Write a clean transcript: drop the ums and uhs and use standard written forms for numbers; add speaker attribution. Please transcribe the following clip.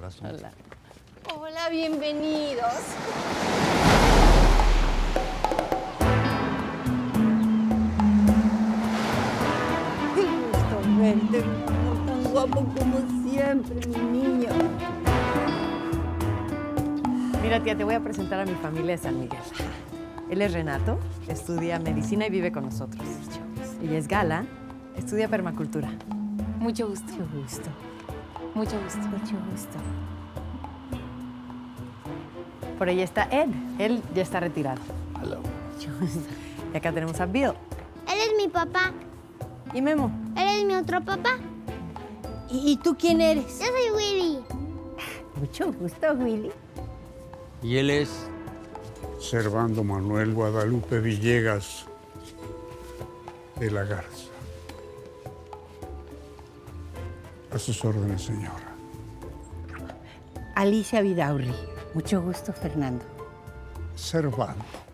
Speaker 1: asunto.
Speaker 2: Hola. Hola, bienvenidos. Qué gusto verte, mi amor, tan guapo como siempre, mi niño.
Speaker 3: Mira, tía, te voy a presentar a mi familia de San Miguel. Él es Renato, estudia medicina y vive con nosotros. Ella es Gala, estudia permacultura.
Speaker 2: Mucho gusto.
Speaker 3: Mucho gusto.
Speaker 2: Mucho gusto.
Speaker 3: Mucho gusto. Por ahí está Ed. Él ya está retirado.
Speaker 1: Hello.
Speaker 3: Mucho gusto. Y acá tenemos a Bill
Speaker 4: Él es mi papá.
Speaker 3: y Memo.
Speaker 4: Él es mi otro papá.
Speaker 2: ¿Y tú quién eres?
Speaker 4: Yo soy Willy.
Speaker 3: Mucho gusto, Willy.
Speaker 1: Y él es...
Speaker 5: Servando Manuel Guadalupe Villegas de la Garza. A sus órdenes, señora.
Speaker 2: Alicia Vidaurri. Mucho gusto, Fernando.
Speaker 5: Servando.